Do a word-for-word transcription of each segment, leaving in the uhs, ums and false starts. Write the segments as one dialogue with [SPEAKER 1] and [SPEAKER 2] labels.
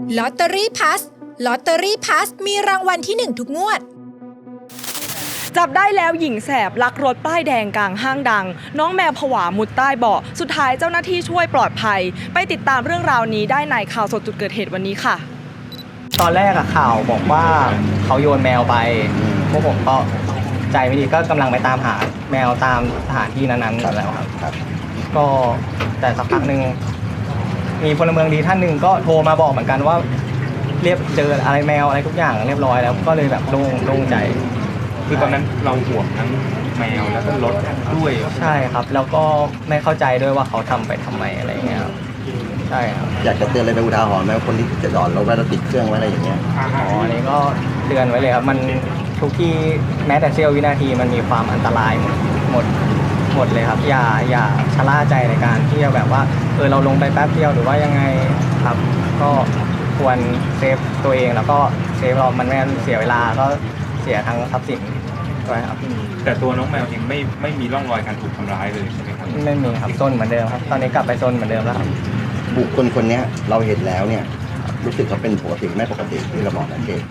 [SPEAKER 1] ลอตเตอรี่พัสลอตเตอรี่พัสมีรางวัลที่หนึ่งทุกงวด
[SPEAKER 2] จับได้แล้วหญิงแสบลักรถป้ายแดงกลางห้างดังน้องแมวผวามุดใต้เบาะสุดท้ายเจ้าหน้าที่ช่วยปลอดภัยไปติดตามเรื่องราวนี้ได้ในข่าวสดจุดเกิดเหตุวันนี้ค่ะ
[SPEAKER 3] ตอนแรกอะข่าวบอกว่าเขาโยนแมวไปพวกผมก็ใจไม่ดีก็กำลังไปตามหาแมวตามสถานที่นั้นๆแล้วครับก็แต่สักพักหนึ่งมีพลเมืองดีท่านหนึ่งก็โทรมาบอกเหมือนกันว่าเรียบเจออะไรแมวอะไรทุกอย่างเรียบร้อยแล้วก็เลยแบบโล่งโล่งใจ
[SPEAKER 4] คือตอนนั้นเราห่วงทั้งแมวแล้วก็รถด้วย
[SPEAKER 3] ใช่ครับแล้วก็ไม่เข้าใจด้วยว่าเขาทำไปทำไมอะไรเงี้ยใช่ครับ
[SPEAKER 5] อยากจะเตือนอะไรไปอุทาหรณ์ไหมคนที่จะจอดรถไว้แล้วติดเครื่องไว้อะไรอย่างเงี้ย
[SPEAKER 3] อ๋ออันนี้ก็เตือนไว้เลยครับมันทุกที่แม้แต่เสี้ยววินาทีมันมีความอันตรายหมดหมดหมดเลยครับอย่าอย่าชะล่าใจในการที่จะแบบว่าเออเราลงไปแป๊บเดียวหรือว่ายังไงครับก็ควรเซฟตัวเองแล้วก็เซฟเรามันไม่งั้นเสียเวลาก็เสียทั้งทรัพย์สินด้วยครับ
[SPEAKER 4] แต่ตัวน้องแมวเองไม่ไม่มีร่องรอยการถูกทำร้ายเลยใช่ไหมครับ
[SPEAKER 3] ไม่มีครับซนเหมือนเดิมครับตอนนี้กลับไปซนเหมือนเดิมแล้วครับ
[SPEAKER 5] บุคคลคนนี้เราเห็นแล้วเนี่ยรู้สึกเขาเป็นปกติไม่ปกติที่เราบอกนะเกศ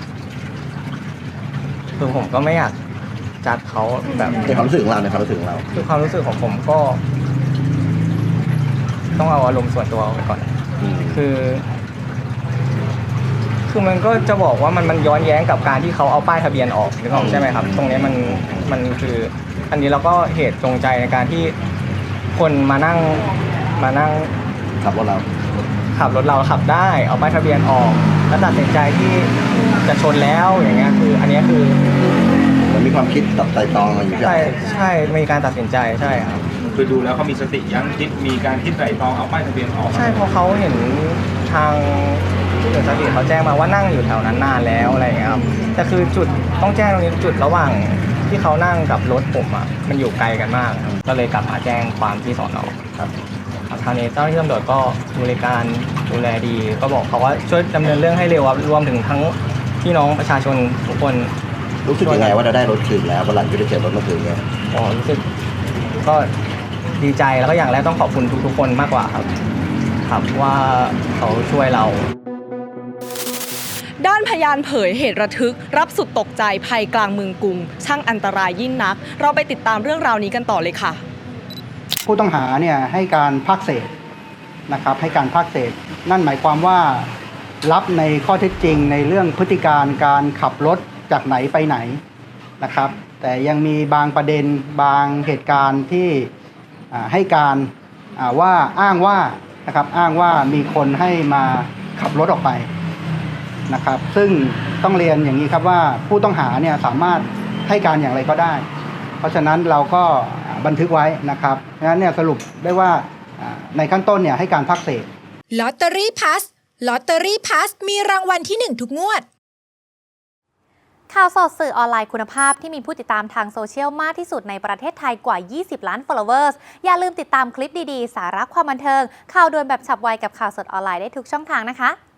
[SPEAKER 3] คือผมก็ไม่อยากจัดเขาแบบ
[SPEAKER 5] ในความรู้สึกของเราในความรู้สึกของเรา
[SPEAKER 3] คือความรู้สึกของผมก็ต้องเอาอารมณ์ส่วนตัวไปก่อนคือคือมันก็จะบอกว่ามันมันย้อนแย้งกับการที่เขาเอาป้ายทะเบียนออกนึกออกใช่ไหมครับตรงนี้มันมันคืออันนี้เราก็เหตุจงใจในการที่คนมานั่งมานั่ง
[SPEAKER 5] ขับรถเรา
[SPEAKER 3] ขับรถเราขับได้เอาป้ายทะเบียนออกแล้วตัดสินใจที่จะชนแล้วอย่างเงี้ยคืออันนี้คือ
[SPEAKER 5] มันมีความคิดตัดไตรตรองมาอยู่
[SPEAKER 3] ใช่ใช่มีการตัดสินใจใช่ครับ
[SPEAKER 4] คือดูแล้วเขามีสติยั้งคิดมีการคิดไตรตรองเอาป้ายทะเบียนออก
[SPEAKER 3] ใช่เพราะเขาเห็นทางที่เกิดสติเขาแจ้งมาว่านั่งอยู่แถวนั้นนานแล้วอะไรอย่างเงี้ยครับแต่คือจุดต้องแจ้งตรงนี้จุดระหว่างที่เขานั่งกับรถผมอ่ะมันอยู่ไกลกันมากก็เลยกลับมาแจ้งความที่สอนอครับทางนี้เจ้าหน้าที่ตำรวจก็บริการดูแลดีก็บอกเขาว่าช่วยดำเนินเรื่องให้เร็วครับรวมถึงทั้งพี่น้องประชาชนทุกคน
[SPEAKER 5] รู้สึกยังไงว่าเราได้รถคืนแล้ววันหลังจะได้เก็บรถมาคืนเนี่ย
[SPEAKER 3] อ๋อรู้สึกก็ดีใจแล้วก็อย่างแรกต้องขอบคุณทุกๆคนมากกว่าครับครับว่าเขาช่วยเรา
[SPEAKER 2] ด้านพยานเผยเหตุระทึกรับสุดตกใจภัยกลางเมืองกรุงช่างอันตรายยิ่งนักเราไปติดตามเรื่องราวนี้กันต่อเลยค่ะ
[SPEAKER 6] ผู้ต้องหาเนี่ยให้การภาคเศษนะครับให้การภาคเศษนั่นหมายความว่ารับในข้อเท็จจริงในเรื่องพฤติการการขับรถจากไหนไปไหนนะครับแต่ยังมีบางประเด็นบางเหตุการณ์ที่ให้การว่าอ้างว่านะครับอ้างว่ามีคนให้มาขับรถออกไปนะครับซึ่งต้องเรียนอย่างนี้ครับว่าผู้ต้องหาเนี่ยสามารถให้การอย่างไรก็ได้เพราะฉะนั้นเราก็บันทึกไว้นะครับเพราะฉะนั้นเนี่ยสรุปได้ว่าในขั้นต้นเนี่ยให้การภาคเศษ
[SPEAKER 1] ลอตเตอรี่พัสลอตเตอรี่พัสมีรางวัลที่หนึ่งทุกงวด
[SPEAKER 7] ข่าวสดสื่อออนไลน์คุณภาพที่มีผู้ติดตามทางโซเชียลมากที่สุดในประเทศไทยกว่ายี่สิบล้าน followers อย่าลืมติดตามคลิปดีๆสาระความบันเทิงข่าวด่วนแบบฉับไวกับข่าวสดออนไลน์ได้ทุกช่องทางนะคะ